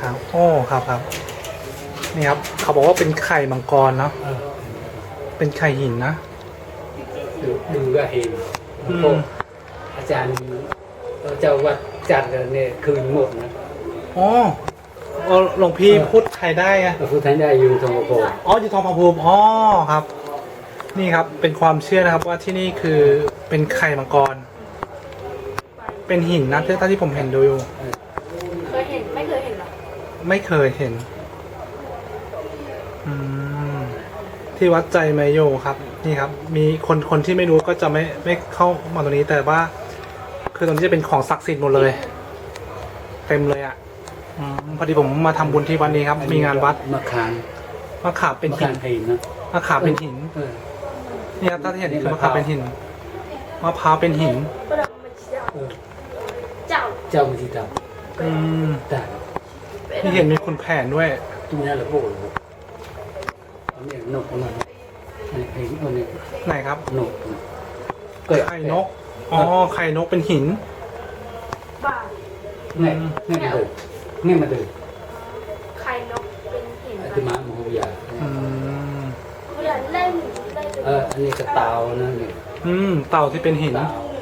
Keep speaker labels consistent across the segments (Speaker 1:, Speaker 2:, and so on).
Speaker 1: ครับโอ้ครับครับนี่ครับเขาบอกว่าเป็นไข่มังกรเนาะเป็นไข่หินนะ
Speaker 2: ดูก็เห็นพวกอาจารย์เจ้าวัดจัดเนี่ยคืนหมดนะ
Speaker 1: อ๋อหลวงพี่พูดไทยได้ไง
Speaker 2: พูดไทยได้อยู่ทองผาภูมิ
Speaker 1: อ๋ออยู่ทองผาภูมิอ๋อครับ นี่ครับเป็นความเชื่อนะครับว่าที่นี่คือเป็นไข่มังกรเป็นหินนะเท่าที่ผมเห็นดูอยู่
Speaker 3: เคยเห็นไม่เคยเห็นหรอ
Speaker 1: ไม่เคยเห็นที่วัดใจไมโยครับนี่ครับมีคนที่ไม่รู้ก็จะไม่เข้ามาตรงนี้แต่ว่าคือตรงนี้จะเป็นของศักดิ์สิทธิ์หมดเลยเต็มเลยอ่ะพอดีผมมาทำบุญที่วันนี้ครับมีงานวัด
Speaker 2: มะขาม
Speaker 1: เป็นหิน
Speaker 2: นะ
Speaker 1: มะขามเป็นหินนี่ครับถ้าที่เห็นนี่คือมะขามเป็นหินมะพร้าวเป็นหิน
Speaker 2: เจ้ามันที่ดำแต่
Speaker 1: ที่เห็นมีคุณแผนด้วย
Speaker 2: ตรงนี้แหละพวกอันนี้นกอะไรเห็นอันนี้
Speaker 1: ไหนครับ
Speaker 2: นก
Speaker 1: ไข่นกอ๋อไข่นกเป็นหิน
Speaker 2: เนี่ยมาดู
Speaker 3: ไข่นกเป็นหิน
Speaker 2: ที่ม้าโมโหยา
Speaker 3: เล่น
Speaker 2: อันนี้ก็เต่านะนี่
Speaker 1: เต่าที่เป็นหิน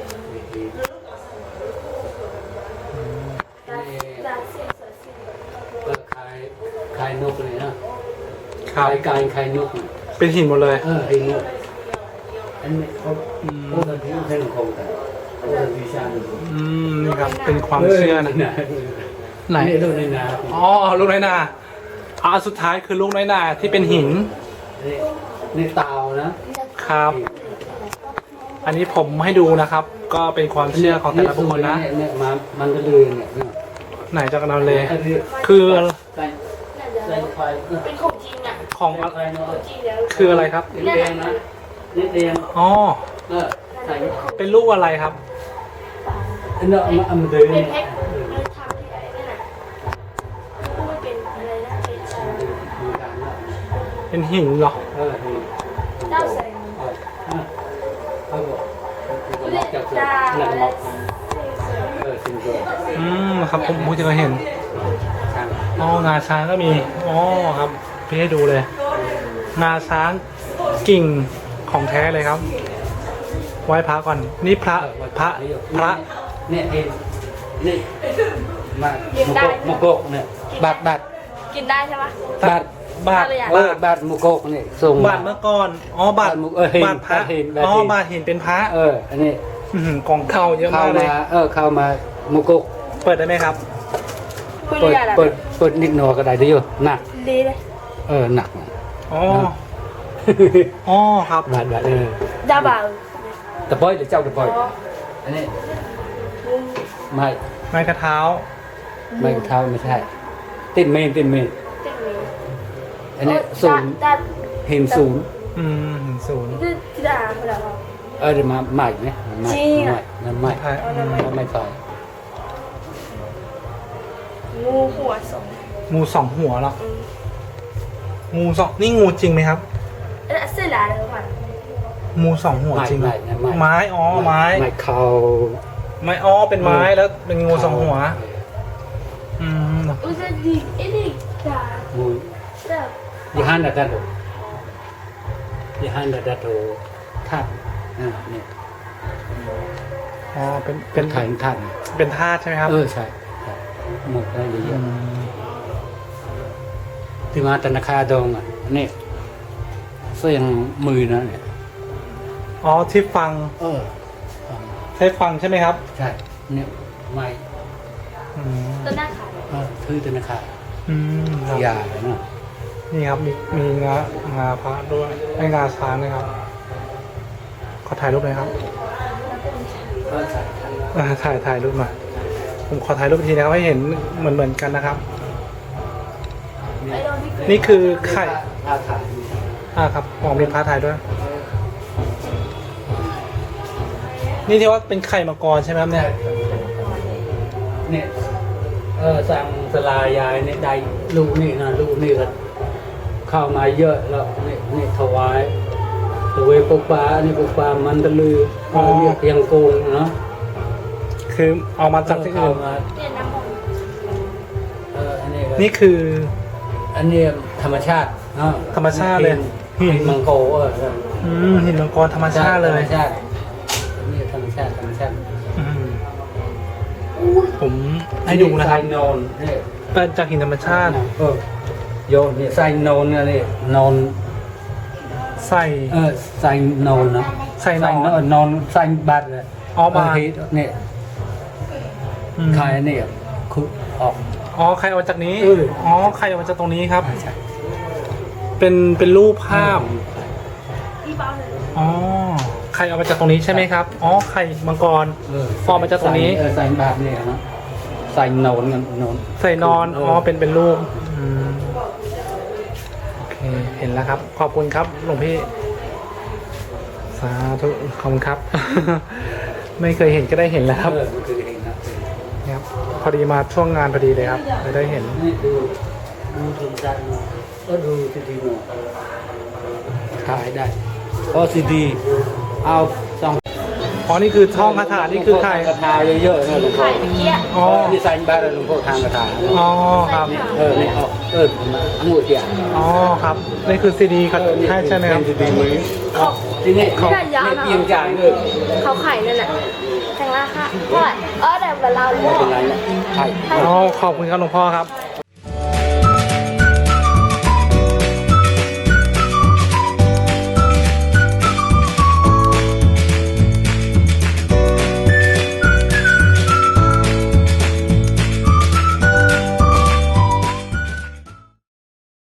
Speaker 2: คายนกเลยนะคายนก
Speaker 1: เป็นหินหมดเลย
Speaker 2: หินนกอันนี้เขาที่ใช้หลวงพ่อกันวิชา
Speaker 1: นี่ครับเป็นความเชื่อนะไหน
Speaker 2: ลูกในนา
Speaker 1: อ๋อลูกในนาสุดท้ายคือลูกในนาที่เป็นหิน
Speaker 2: ในเตานะครับ
Speaker 1: อันนี้ผมให้ดูนะครับก็เป็นความเชื่อของแต่ละบุคคลนะ
Speaker 2: เนี่ยมันก็เลยเนี่ย
Speaker 1: ไหนจากเราเลยคือ
Speaker 3: เป็นของจริงอ่ะ
Speaker 1: ของจริงแล้วคืออะไรครับ
Speaker 2: เรียนนะเรียน
Speaker 1: อ๋อเป็นลูกอะไรครับ
Speaker 2: เนาะมันเดิน
Speaker 3: เป็นเพชรมันทำที่ไหนนั่นน่ะไม่เป็นอะไรนะ
Speaker 1: เป็นหินเหรอ
Speaker 3: เจ้าแสง
Speaker 2: เขาบอกจากหนังมอก
Speaker 1: ครับผมเพิ่งจะเห็นงาช้างก็มีครับพี่ให้ดูเลยงาช้างกิ่งของแท้เลยครับไหว้พระก่อนนี่พระ
Speaker 2: เนี่ยเองนี่มุกกเนี่ยบาท
Speaker 3: กินได้ใช่ไหม
Speaker 2: บาทมุกกเนี่ยส่ง
Speaker 1: บาทเมื่อก่อนบาทพระบาทเห็นเป็นพระ
Speaker 2: อันนี้
Speaker 1: กองเข้าเยอะมากเลย
Speaker 2: เข้ามามุกก
Speaker 1: เปิดได้ไหมครับ
Speaker 2: เปิดนิดหน่อยก็ได้ด้วยหนัก
Speaker 3: ดีเลย
Speaker 2: หนัก
Speaker 1: ครับ
Speaker 2: บาท
Speaker 3: ดาบ่าว
Speaker 2: ตะปอยหรือเจ้าตะปอยอันนี้
Speaker 1: ไม้กระเท้า
Speaker 2: ไม่ใช่ติดเมนอันนี้ศูนย์เห็นศูนย์
Speaker 3: ที่ด่าเขาแล้ว
Speaker 2: เดี๋ยวมาใหม่ไหมไม่ไฟ
Speaker 3: งูหัวสอง
Speaker 1: งูสองหัวหรองูสองนี่งูจริงไหมครับ
Speaker 3: เสื้อลายแล้วมัน
Speaker 1: งูสองหัวจริงไม้ไม้
Speaker 2: เขา
Speaker 1: ไม้เป็นไม้แล้วเป็นงูสองหัว
Speaker 3: จะดีนี่จ้า
Speaker 2: งูยี่ห้าดัดโถทัดเนี่ย
Speaker 1: เป็น
Speaker 2: ถ่ายทัด
Speaker 1: เป็นธาตุใช่ไหมครับ
Speaker 2: ใช่หมดได้เยอะที่มาธนาคารดองนี่เสียงมือนะเนี่ย
Speaker 1: ที่ฟังใช้ฟังใช่ไหมครับ
Speaker 2: ใช่เนี่ยไม่
Speaker 3: ต้นหน้าขาย
Speaker 2: คือธนาคารยาเนาะ
Speaker 1: นี่ครับมีงาพระด้วยงาช้างนะครับขอถ่ายรูปหน่อยครับถ่ายรูปหน่อยผมขอถ่ายรูปทีนะครับให้เห็นเหมือนกันนะครับนี่คือไข่ครับมีพระถ่ายด้วยนี่ที่ว่าเป็นไข่มังกรใช่ไหมครับ
Speaker 2: เนี่ยสั่งสลายายเนี่ยได้ลูกนี่ก็เข้ามาเยอะแล้วนี่ถวายปุกปลานี่ปุกปลามันตะลือเรียกยังโกงเนาะ
Speaker 1: คือเอามาจากที่อื่น
Speaker 2: อันนี้
Speaker 1: นี่คือ
Speaker 2: อันนี้ธรรมชาติเนาะ
Speaker 1: ธรรมชาติเลย
Speaker 2: หินมังโก
Speaker 1: หินมังกรธรรมชาติเลย
Speaker 2: ธรรมชาตินี่ธรรมชาติ
Speaker 1: อืมผมให้ดูนะครับ
Speaker 2: ไซโนนนี่
Speaker 1: เป็นจากหินธรรมชาติ
Speaker 2: โยนนี่ไซโนนนี่นอน
Speaker 1: ใส่
Speaker 2: ไซโนนนะ
Speaker 1: ไซโนน
Speaker 2: นอนไซบัตเลย
Speaker 1: อ๋อบาท
Speaker 2: นี่
Speaker 1: อืม
Speaker 2: ใครนี่คือออก
Speaker 1: อ๋อใครเอามาจากนี้
Speaker 2: เออ
Speaker 1: อ๋อใครเอามาจากตรงนี้ครับ
Speaker 2: ใช่
Speaker 1: เป็นรูปภาพ
Speaker 3: ที่บ้านเลย
Speaker 1: อ๋อใครเอามาจากตรงนี้ใช่ไหมครับ อ๋อไข่มังกร ฟอร์มมาจากตรงนี้
Speaker 2: ไซบัตนี่นะไซโนนกันนอน
Speaker 1: ใส่นอน อ๋อ เป็นรูปอืมโอเค เห็นแล้วครับ ขอบคุณครับ หลวงพี่ สาธุ ขอบคุณครับ ไม่เคยเห็นก็ได้เห็นแล้วครับ
Speaker 2: มันคือเองนะครับ
Speaker 1: พอดีมาช่วงงานพอดีเลยครับเลยได้เห็น
Speaker 2: นี่ดูทุนจันดูซีดีโนขายได้เพราะซีดีเอาสอง
Speaker 1: อ๋อ นี่คือท่องคาถา นี่คือใคร
Speaker 2: กระทาเยอะๆนะหลวงพ่อ
Speaker 3: ไข่เมื่อกี้อะ
Speaker 1: อ๋อ
Speaker 2: นี่ใส่บ้านหลวงพ่อทางกระทา
Speaker 1: อ๋อ ครับ
Speaker 2: นี่เอาอังุ่นเดียว
Speaker 1: อ๋อ ครับ นี่คือซีดีครับใช่ใช่ไหมครับ
Speaker 2: ซีดีมือทีนี้เขาเพียงจ่ายเลย
Speaker 3: เขาไข่นั่นแหละแต่งราคาเท่าไหร่แต่เวลา
Speaker 2: ไม่เป็นไรนะใช่
Speaker 1: อ๋อ ขอบคุณครับหลวงพ่อครับ